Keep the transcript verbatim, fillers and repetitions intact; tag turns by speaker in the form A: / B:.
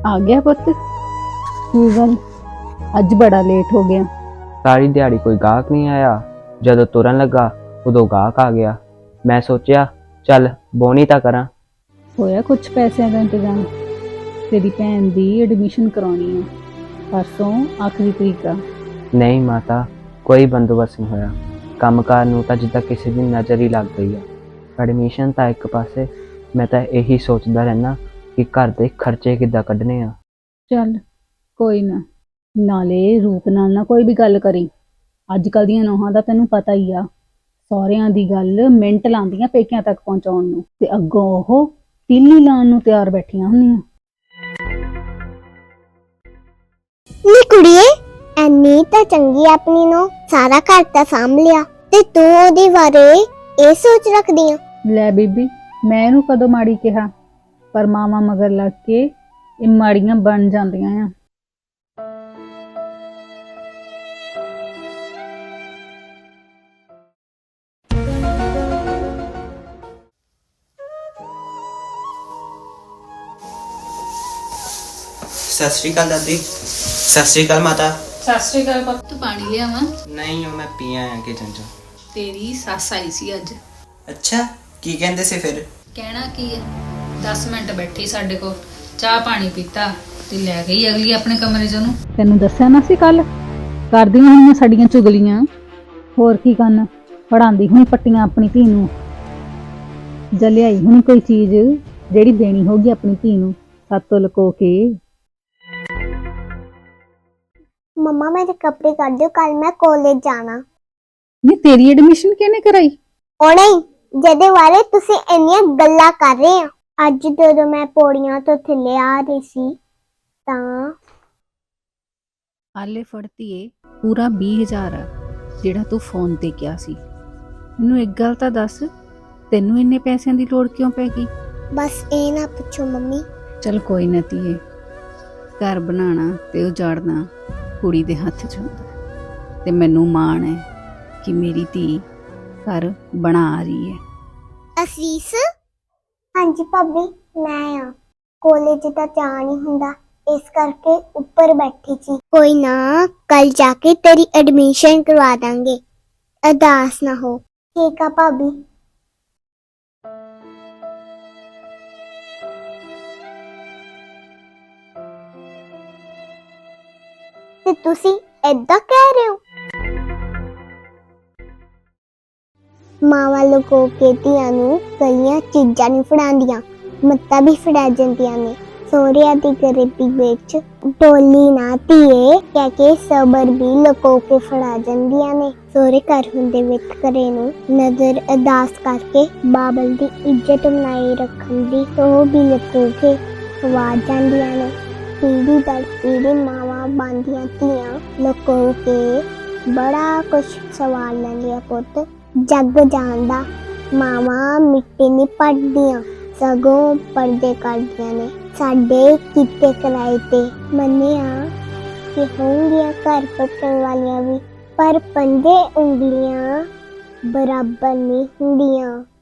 A: आ गया पुत? की गल अज बड़ा लेट हो गया?
B: सारी दिहाड़ी कोई गाहक नहीं आया। जदों तुरन लगा उदों गाहक आ गया। मैं सोचा चल बोनी तां करां।
A: होया कुछ पैसों का इंतजाम? तेरी भैन दी एडमिशन करवानी है, परसों आखिरी तरीक आ।
B: नहीं माता, कोई बंदोबस्त नहीं होया। कंमकार नूं तां जिद्दां किसी दी नज़र ही लग गई आ। एडमिशन तां एक पासे, मैं तां यही सोचदा रहना कि घर दे खर्चे किद्दां कड्ढने आ।
A: चल कोई ना, नाले रूप नाल ना कोई भी गल करी। अजकल दियां नौहां दा तैनूं पता ही आ, सौहरियां दी गल मिंट लांदियां पेकियां तक पहुंचाउण नूं, ते अग्गों ओह तीली लाउण नूं तैयार बैठियां हुंदियां।
C: नी कुड़िए, ਐਨੀ ਤਾਂ ਚੰਗੀ ਆਪਣੀ ਨੂੰ ਸਾਰਾ ਘਰ ਤਾਂ ਸਾਂਭ ਲਿਆ ਤੇ ਤੂੰ ਉਹਦੇ ਬਾਰੇ ਇਹ ਸੋਚ ਰੱਖਦੀ ਆ।
A: ਲੈ ਬੀਬੀ, ਮੈਂ ਇਹਨੂੰ ਕਦੋਂ ਮਾੜੀ ਕਿਹਾ? ਪਰ ਮਾਵਾਂ ਮਗਰ ਲੱਗ ਕੇ ਇਹ ਮਾੜੀਆਂ ਬਣ ਜਾਂਦੀਆਂ ਆ।
D: सत श्री अकाल दादी। सत श्री अकाल माता।
E: सत श्री अकाल पुत्त, पानी लियावां?
D: नहीं वो मैं पी आया किचन चो।
E: तेरी सस आई सी अज।
D: अच्छा की कहंदे से फिर?
E: कहना की है, दस मिनट बैठी साडे कोल, चाह पानी पीता ते लै गई अगली अपने कमरे च ओनू।
A: ਤੈਨੂੰ ਦੱਸਿਆ ਨਾ ਸੀ ਕੱਲ, ਕਰਦੀਆਂ ਹੋਣੀਆਂ ਸਾਡੀਆਂ ਚੁਗਲੀਆਂ। ਹੋਰ ਕੀ ਕਰਨ, ਪੜਾਉਂਦੀ ਹੁਣੀ ਪੱਟੀਆਂ ਆਪਣੀ ਧੀ ਨੂੰ, ਜਾਂ ਲਿਆਈ ਹੁਣੀ ਕੋਈ ਚੀਜ਼ ਜਿਹੜੀ ਦੇਣੀ ਹੋਗੀ ਆਪਣੀ ਧੀ ਨੂੰ ਸਾਤੋਂ ਲੁਕੋ ਕੇ।
C: मम्मा मेरे कपड़े कर दो, कल मैं कॉलेज जाना।
A: ਨਹੀਂ ਤੇਰੀ ਐਡਮਿਸ਼ਨ ਕਿਹਨੇ ਕਰਾਈ?
C: ਉਹ ਨਹੀਂ, ਜਿਹਦੇ ਬਾਰੇ ਤੁਸੀਂ ਇੰਨੀਆਂ ਗੱਲਾਂ ਕਰ ਰਹੇ ਆ। ਅੱਜ ਜਦੋਂ ਮੈਂ ਪੌੜੀਆਂ ਤੋਂ ਥੱਲੇ ਆ ਰਹੀ ਸੀ ਤਾਂ
A: ਹਾਲੇ ਫੜਤੀਏ ਪੂਰਾ ਵੀਹ ਹਜ਼ਾਰ ਆ ਜਿਹੜਾ ਤੂੰ ਫੋਨ ਤੇ ਕਿਹਾ ਸੀ। ਮੈਨੂੰ ਇੱਕ ਗੱਲ ਤਾਂ ਦੱਸ, ਤੈਨੂੰ ਇੰਨੇ ਪੈਸਿਆਂ ਦੀ ਲੋੜ ਕਿਉਂ ਪੈ ਗਈ?
C: ਬਸ ਇਹ ਨਾ ਪੁੱਛੋ ਮੰਮੀ।
A: ਚਲ ਕੋਈ ਨਾ ਧੀਏ, ਘਰ ਬਣਾਉਣਾ ਤੇ ਉਜਾੜਨਾ ਕੁੜੀ ਦੇ ਹੱਥ 'ਚ ਹੁੰਦਾ, ਤੇ ਮੈਨੂੰ ਮਾਣ ਹੈ ਕਿ ਮੇਰੀ ਧੀ ਘਰ ਬਣਾ ਰਹੀ ਹੈ।
C: ਅਸੀਸ? ਹਾਂਜੀ ਭਾਬੀ, ਮੈਂ ਆ ਕਾਲਜ ਤਾਂ ਜਾ ਨਹੀਂ ਹੁੰਦਾ, ਇਸ ਕਰਕੇ ਉੱਪਰ ਬੈਠੀ ਸੀ। ਕੋਈ ਨਾ, ਕੱਲ ਜਾ ਕੇ ਤੇਰੀ ਐਡਮਿਸ਼ਨ ਕਰਵਾ ਦਾਂਗੇ, ਅਦਾਸ ਨਾ ਹੋ। ਠੀਕ ਆ ਭਾਬੀ। ਤੇ ਤੁਸੀਂ ਏਦਾਂ ਕਹਿ ਰਹੇ ਹੋ? ਮਾਵਾਂ ਲੁਕੋ ਕੇ ਧੀਆਂ ਨੂੰ ਗਲੀਆਂ ਚੀਜ਼ਾਂ ਨਹੀਂ ਫੜਾਉਂਦੀਆਂ, ਮੱਤਾਂ ਵੀ ਫੜਾ ਜਾਂਦੀਆਂ ਨੇ। ਸਹੁਰਿਆਂ ਦੀ ਗਰੀਬੀ ਵਿੱਚ ਡੋਲੀ ਨਾ ਧੀਏ ਕਹਿ ਕੇ ਸਬਰ ਵੀ ਲੁਕੋ ਕੇ ਫੜਾ ਜਾਂਦੀਆਂ ਨੇ। ਸਹੁਰੇ ਘਰ ਹੁੰਦੇ ਵਿੱਚ ਘਰੇ ਨੂੰ ਨਜ਼ਰ ਅਦਾਸ ਕਰਕੇ ਬਾਬਲ ਦੀ ਇੱਜ਼ਤ ਬਣਾਈ ਰੱਖਣ ਦੀ ਉਹ ਵੀ ਲੁਕੋ ਕੇ ਖਵਾ ਜਾਂਦੀਆਂ ਨੇ। ਪੀੜੀ ਦਰ ਪੀੜੀ ਮਾਵਾਂ ਬਣਦੀਆਂ ਧੀਆਂ ਲੁਕੋ ਕੇ ਬੜਾ ਕੁਛ ਸਵਾਲ ਲੈਂਦੀਆਂ। ਪੁੱਤ ਜੱਗ ਜਾਣਦਾ ਮਾਵਾਂ ਮਿੱਟੀ ਨਹੀਂ ਪੜਦੀਆਂ, ਸਗੋਂ ਪਰਦੇ ਕੱਢਦੀਆਂ ਨੇ। ਸਾਡੇ ਕੀਤੇ ਕਰਾਏ ਤੇ ਮੰਨਿਆ ਕਿ ਹੋਣਗੀਆਂ ਘਰ ਪੱਟਣ ਵਾਲੀਆਂ ਵੀ, ਪਰ ਪੰਜੇ ਉਂਗਲੀਆਂ ਬਰਾਬਰ ਨਹੀਂ ਹੁੰਦੀਆਂ।